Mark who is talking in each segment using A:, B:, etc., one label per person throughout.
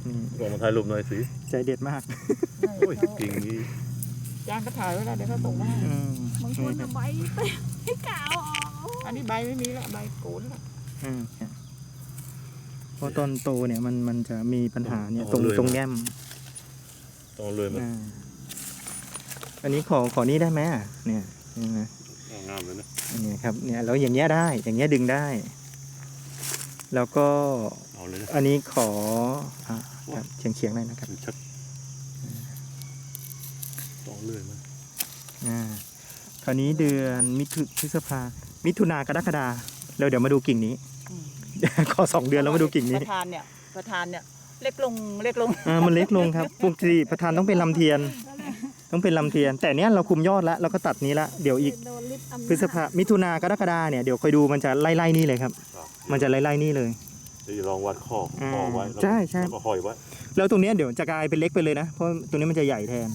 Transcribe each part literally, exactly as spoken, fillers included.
A: ลองมาถ่ายรูปหน่อยสิ
B: ใจเด็ดมาก
A: โอ้ยจริงนี่
C: จานก็ถ่ายไว้แล้วเดี๋ยวเขาส่งมาให้
D: บางคนใบให้กาวออก
C: อันนี้ใบไม่มีละใบโกนละ
B: เพราะตอนโตเนี่ยมันมันจะมีปัญหาเนี่ยตรงตรงแง้ม
A: ต้องเลยมั้ย
B: อันนี้ขอขอนี้ได้ไหมเนี่ยนะ
A: งามเลยนะ
B: อันนี้ครับเนี่ยแล้วอย่างเงี้ยได้อย่างเงี้ยดึงได้แล้วก็อันนี้ขอครับเฉียงเฉียงได้นะครับ
A: ต้องเลยมั้ย
B: อ่าคราวนี้เดือนมิถุพฤษภามิถุนากรกฎาแล้วเดี๋ยวมาดูกิ่งนี้ขอสองเดือนแล้วมาดูกิ่งนี้
C: ประธานเนี่ยประธานเนี่ยเล็กลงเล็กลง
B: อ่ามันเล็กลงครับปกติประธานต้องเป็นลำเทียนต้องเป็นลำเทียนแต่เนี้ยเราคุมยอดแล้วเราก็ตัดนี้ละเดี๋ยวอีกพฤษภามิถุนากรกฎาเนี่ยเดี๋ยวคอยดูมันจะไล่ๆนี่เลยครับมันจะไล่ๆนี่เลย
A: จะลองวัดข้อข้อไว้
B: ใช่ใช่
A: แล้วก็ห้อยไว้
B: แล้วตรงนี้เดี๋ยวจะกลายเป็นเล็กไปเลยนะเพราะตรงนี้มันจะใหญ่แทน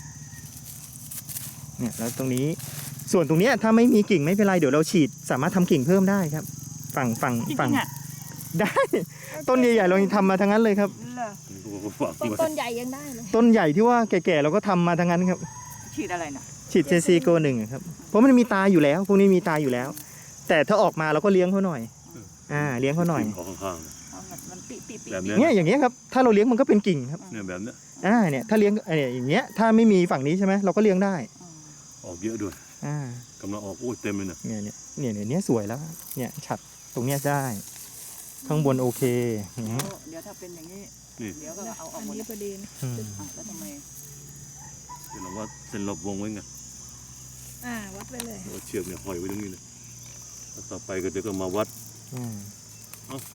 B: เนี่ยแล้วตรงนี้ส่วนตรงนี้ถ้าไม่มีกิ่งไม่เป็นไรเดี๋ยวเราฉีดสามารถทำกิ่งเพิ่มได้ครับฝั่งฝั่งฝั่งได้ต้นใหญ่ๆเราทำมาทั้งนั้นเลยครับ
D: ต้นใหญ่ยังได้เลย
B: ต้นใหญ่ที่ว่าแก่ๆเราก็ทำมาทั้งนั้นครับ
C: ฉีดอะไรนะ
B: ฉีดเจซีโกหนึ่งครับเพราะมันมีตาอยู่แล้วพวกนี้มีตาอยู่แล้วแต่ถ้าออกมาเราก็เลี้ยงเขาหน่อยอ่าเลี้ยงเขาหน่อย
C: แบบ
B: นี้เนี่ยอย่างเงี้ยครับถ้าเราเลี้ยงมันก็เป็นกิ่งครับ
A: เนี่ยแบบเนี้ย
B: อ่าเนี่ยถ้าเลี้ยงเนี่ยอย่างเงี้ยถ้าไม่มีฝั่งนี้ใช่ไหมเราก็เลี้ยงได้
A: ออกเยอะด้วย
B: อ่าก
A: ำลังออกโอ้ยเต็มเลย
B: เนี่ยเนี่ยเนี่ยเนี่ยเนี่ยสวยแล้วเนี่ยฉัดตรงเนี้ยได้ข้างบนโอเค
C: เดี๋ยวถ้าเป็นอย่างนี้เดี๋ยวก็เอาออกหมด
D: พอดี
C: แล้วทำไม
A: เดี๋ยวเราว่าเส้นรอบวงไว้ไง
D: อ่าวัดไปเลย
A: เชือกเนี่ยห้อยไว้ตรงนี้เลยต่อไปก็เดี๋ยวก็มาวัด